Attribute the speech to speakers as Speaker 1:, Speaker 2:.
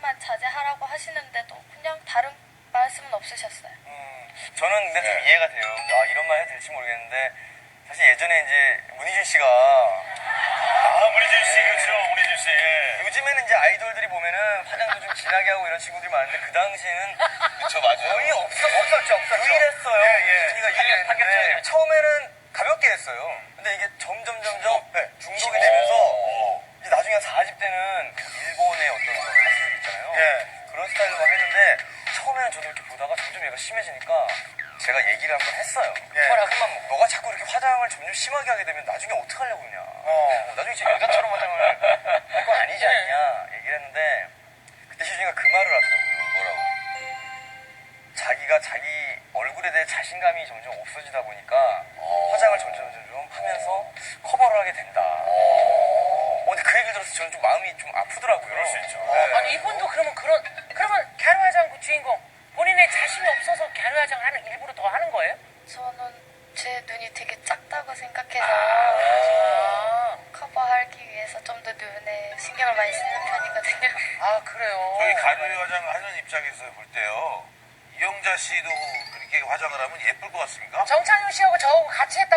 Speaker 1: 화장만 자제하라고 하시는데도 그냥 다른 말씀은 없으셨어요.
Speaker 2: 저는 근데 좀 이해가 돼요. 아, 이런 말 해도 될지 모르겠는데 사실 예전에 이제 문희준 씨가
Speaker 3: 문희준 씨, 그렇죠. 문희준 씨. 예.
Speaker 2: 요즘에는 이제 아이돌들이 보면은 화장도 좀 진하게 하고 이런 친구들이 많은데 그 당시에는
Speaker 3: 그쵸, 맞아요.
Speaker 2: 거의 없었죠. 유일했어요.
Speaker 3: 예.
Speaker 2: 제가 유일했는데 처음에는 가볍게 했어요. 근데 이게 점점 중독이 되면서 이제 나중에 한 40 대는 그 일본의 어떤 그런 가수들 있잖아요.
Speaker 3: 예.
Speaker 2: 그런 스타일로 막 했는데 처음에는 저도 이렇게 보다가 점점 얘가 심해지니까 제가 얘기를 한번 했어요. 그만 너가 자꾸 이렇게 화장을 점점 심하게 하게 되면 나중에 어떡하려고 그러냐. 나중에 진짜 여자처럼 화장을 할 거 아니지 않냐 얘기를 했는데 그때 희준이가 그 말을 하더라고요.
Speaker 3: 뭐라고?
Speaker 2: 자기가 자기 얼굴에 대해 자신감이 점점 없어지다 보니까 화장을 점점 하면서 커버를 하게 된다. 근데 그 얘기를 들어서 저는 좀 마음이 좀 아프더라고요.
Speaker 3: 그럴 수 있죠.
Speaker 2: 네.
Speaker 4: 아니 이분도 그러면 갸루화장 그 주인공 본인의 자신이 없어서 갸루화장을 하는 일부러 더 하는 거예요?
Speaker 1: 저는 제 눈이 되게 작다고 생각해서 커버하기 위해서 좀 더 눈에 신경을 많이 쓰는 편이거든요.
Speaker 4: 아 그래요.
Speaker 3: 저희 가루 화장을 하는 입장에서 볼 때요. 이영자 씨도 그렇게 화장을 하면 예쁠 것 같습니까?
Speaker 4: 정찬용 씨하고 저하고 같이 했다.